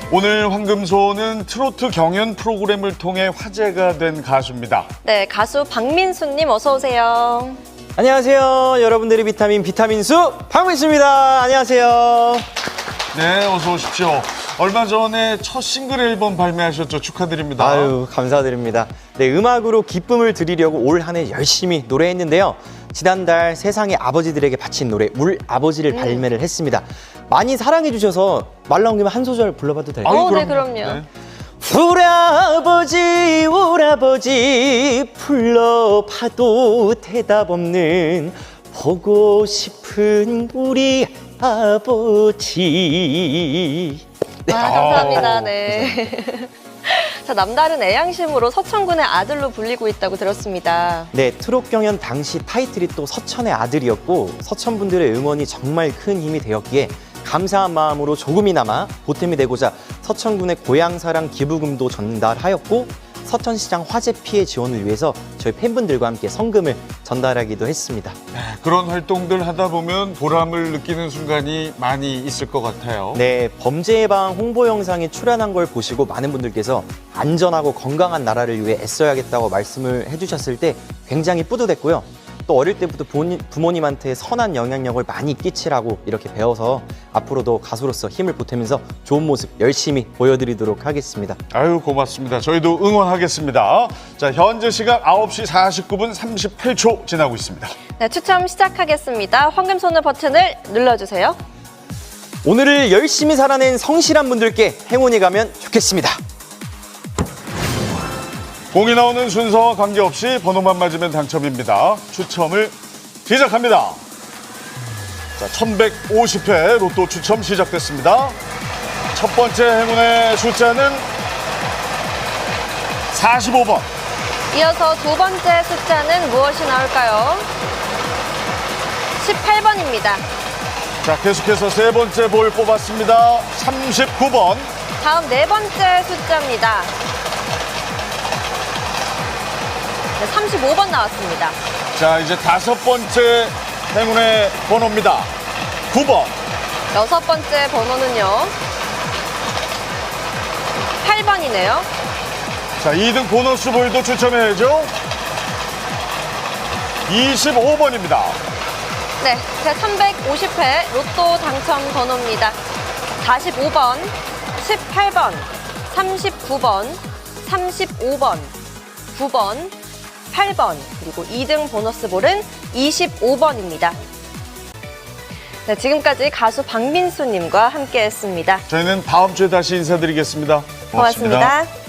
오늘 황금소는 트로트 경연 프로그램을 통해 화제가 된 가수입니다. 네, 가수 박민수님 어서 오세요. 안녕하세요. 여러분들의 비타민수 박민수입니다. 안녕하세요. 네, 어서 오십시오. 얼마 전에 첫 싱글 앨범 발매하셨죠? 축하드립니다. 아유, 감사드립니다. 네, 음악으로 기쁨을 드리려고 올 한 해 열심히 노래했는데요. 지난달 세상의 아버지들에게 바친 노래 울 아버지를 발매를 했습니다. 많이 사랑해 주셔서 말 나온 김에 한 소절 불러봐도 될까요? 네, 그럼요. 네. 울아버지 불러봐도 대답 없는 보고 싶은 우리 아버지. 감사합니다. 네. 자, 남다른 애양심으로 서천군의 아들로 불리고 있다고 들었습니다. 네, 트롯 경연 당시 타이틀이 또 서천의 아들이었고 서천 분들의 응원이 정말 큰 힘이 되었기에 감사한 마음으로 조금이나마 보탬이 되고자 서천군의 고향사랑 기부금도 전달하였고 서천시장 화재 피해 지원을 위해서 저희 팬분들과 함께 성금을 전달하기도 했습니다. 네, 그런 활동들 하다 보면 보람을 느끼는 순간이 많이 있을 것 같아요. 네, 범죄 예방 홍보 영상이 출연한 걸 보시고 많은 분들께서 안전하고 건강한 나라를 위해 애써야겠다고 말씀을 해주셨을 때 굉장히 뿌듯했고요. 또 어릴 때부터 부모님한테 선한 영향력을 많이 끼치라고 이렇게 배워서 앞으로도 가수로서 힘을 보태면서 좋은 모습 열심히 보여드리도록 하겠습니다. 아유, 고맙습니다. 저희도 응원하겠습니다. 자, 현재 시각 9시 49분 38초 지나고 있습니다. 네, 추첨 시작하겠습니다. 황금손을 버튼을 눌러주세요. 오늘을 열심히 살아낸 성실한 분들께 행운이 가면 좋겠습니다. 공이 나오는 순서와 관계없이 번호만 맞으면 당첨입니다. 추첨을 시작합니다. 자, 1150회 로또 추첨 시작됐습니다. 첫 번째 행운의 숫자는 45번. 이어서 두 번째 숫자는 무엇이 나올까요? 18번입니다. 자, 계속해서 세 번째 볼 뽑았습니다. 39번. 다음 네 번째 숫자입니다. 네, 35번 나왔습니다. 자, 이제 다섯 번째 행운의 번호입니다. 9번. 여섯 번째 번호는요. 8번이네요. 자, 2등 보너스 볼도 추첨해야죠. 25번입니다. 네, 제350회 로또 당첨 번호입니다. 45번, 18번, 39번, 35번, 9번, 8번, 그리고 2등 보너스 볼은 25번입니다. 네, 지금까지 가수 박민수님과 함께했습니다. 저희는 다음 주에 다시 인사드리겠습니다. 고맙습니다.